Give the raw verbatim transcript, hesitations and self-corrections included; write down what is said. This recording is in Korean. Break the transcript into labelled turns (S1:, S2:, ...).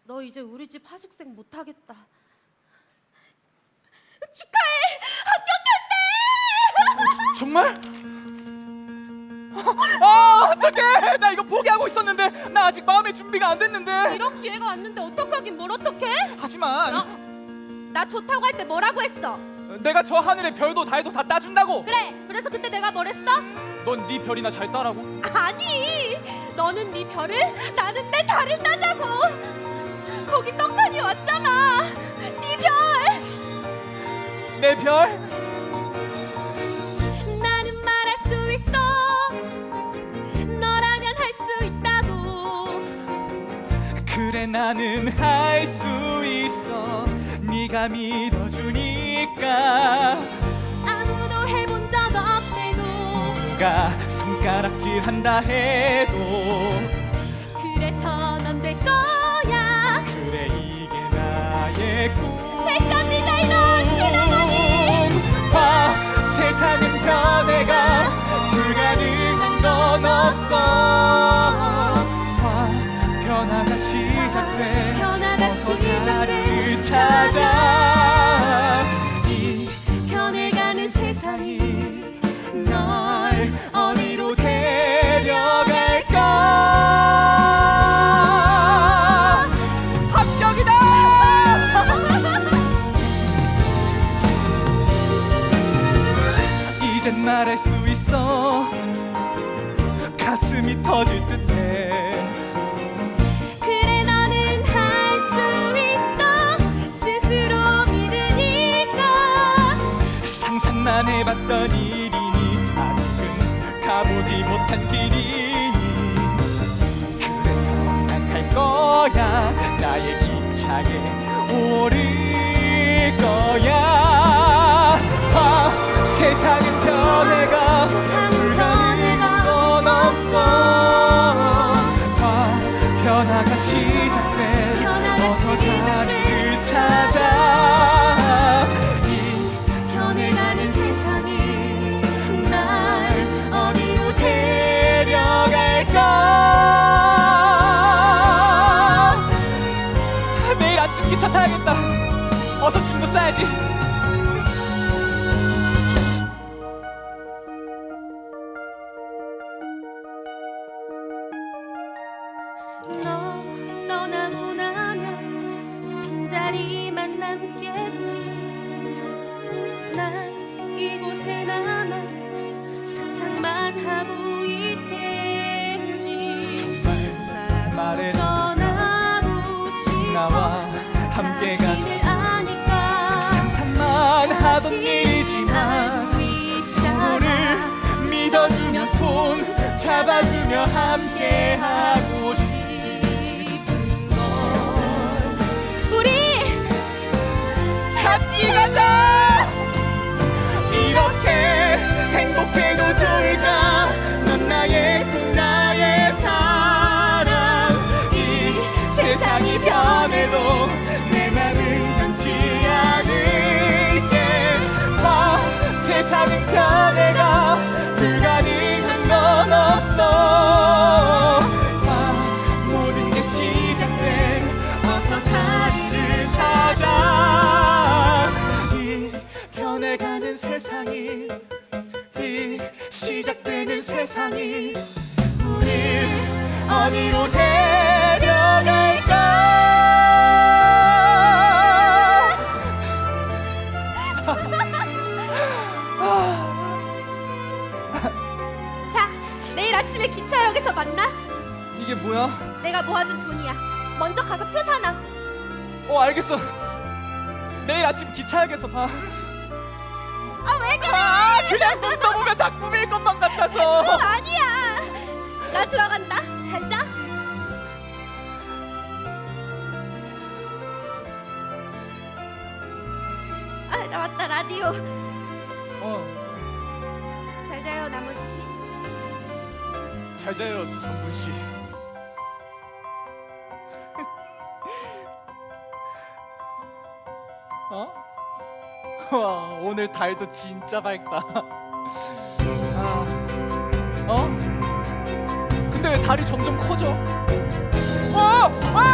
S1: 너 이제 우리 집 하숙생 못하겠다. 축하해! 합격했대!
S2: 정말? 아 어떡해, 나 이거 포기하고 있었는데. 나 아직 마음의 준비가 안 됐는데.
S1: 이런 기회가 왔는데 어떡하긴 뭘 어떡해?
S2: 하지만
S1: 너, 나 좋다고 할 때 뭐라고 했어?
S2: 내가 저 하늘의 별도 달도 다 따준다고.
S1: 그래, 그래서 그때 내가 뭘 했어?
S2: 넌 네 별이나 잘 따라고.
S1: 아니, 너는 네 별을, 나는 내 달을 따자고. 거기 떡하니 왔잖아. 네 별.
S2: 내 별?
S1: 나는 말할 수 있어. 너라면 할 수 있다고.
S2: 그래 나는 할 수 있어. 네가 믿어주니까.
S1: 아무도 해본 적 없대도.
S2: 누가 손가락질한다 해도.
S1: 그래서 넌 될 거야.
S2: 그래 이게 나의 꿈.
S1: 패션 디자이너 최나건이.
S2: 봐, 세상은 변해가. 불가능한 건 없어. 봐, 변화가 시작돼.
S1: 변화가
S2: 어서
S1: 시작돼.
S2: 자리를 찾아. 이
S1: 변해가는 세상이
S2: 날 어디로 데려갈까. 합격이다. 이젠 말할 수 있어. 가슴이 터질 듯해.
S1: 그래 너는 할 수 있어. 스스로 믿으니까.
S2: 상상만 해봤던 일이니 아직은 가보지 못한 길이니. 그래서 난 갈 거야. 나의 기차에 오를 거야. 봐, 세상은 변해가.
S1: 세상은
S2: 불가능한 건 없어. 봐, 변화가 시작돼.
S1: 변화가
S2: 어서
S1: 시작돼.
S2: 자리를 찾아. 이
S1: 변해가는 세상이
S2: 날 어디로 데려갈까. 내일 아침 기차 타야겠다. 어서 짐도 싸야지.
S1: 너 떠나고 나면 빈자리만 남겠지. 난 이곳에 남아 상상만 하고 있겠지.
S2: 정말 말해.
S1: 떠나고 싶어.
S2: 나와 함께 가자.
S1: 자신을 아니까.
S2: 상상만 하던
S1: 다시
S2: 일이지만
S1: 알고 있잖아.
S2: 서로를 믿어주며 손 잡아주며 함께 하고 싶은 걸.
S1: 우리
S2: 같이 가자. 이렇게 행복해도 좋을까. 넌 나의 꿈 나의 사랑. 이 세상이 변해도 내 맘은 변치 않을게. 봐, 세상은 변해가. 불가능한 건 없어. 봐, 모든 게 시작돼. 어서 자리를 찾아. 이 변해가는 세상이, 이 시작되는 세상이 우릴 어디로 데려갈까.
S1: 자, 내일 아침에 기차역에서 만나.
S2: 이게 뭐야?
S1: 내가 모아둔 돈이야. 먼저 가서 표 사놔.
S2: 어 알겠어. 내일 아침 기차역에서 봐.
S1: 아, 왜 그래?
S2: 아, 그냥 눈 떠보면 다 꿈일 것만 같아서.
S1: 그거 아니야. 나 들어간다. 잘 자. 아, 나 왔다. 라디오.
S2: 어,
S1: 잘 자요, 나무 씨.
S2: 잘 자요, 정분 씨. 어? 와, 오늘 달도 진짜 밝다. 아, 어? 근데 왜 달이 점점 커져? 어! 아!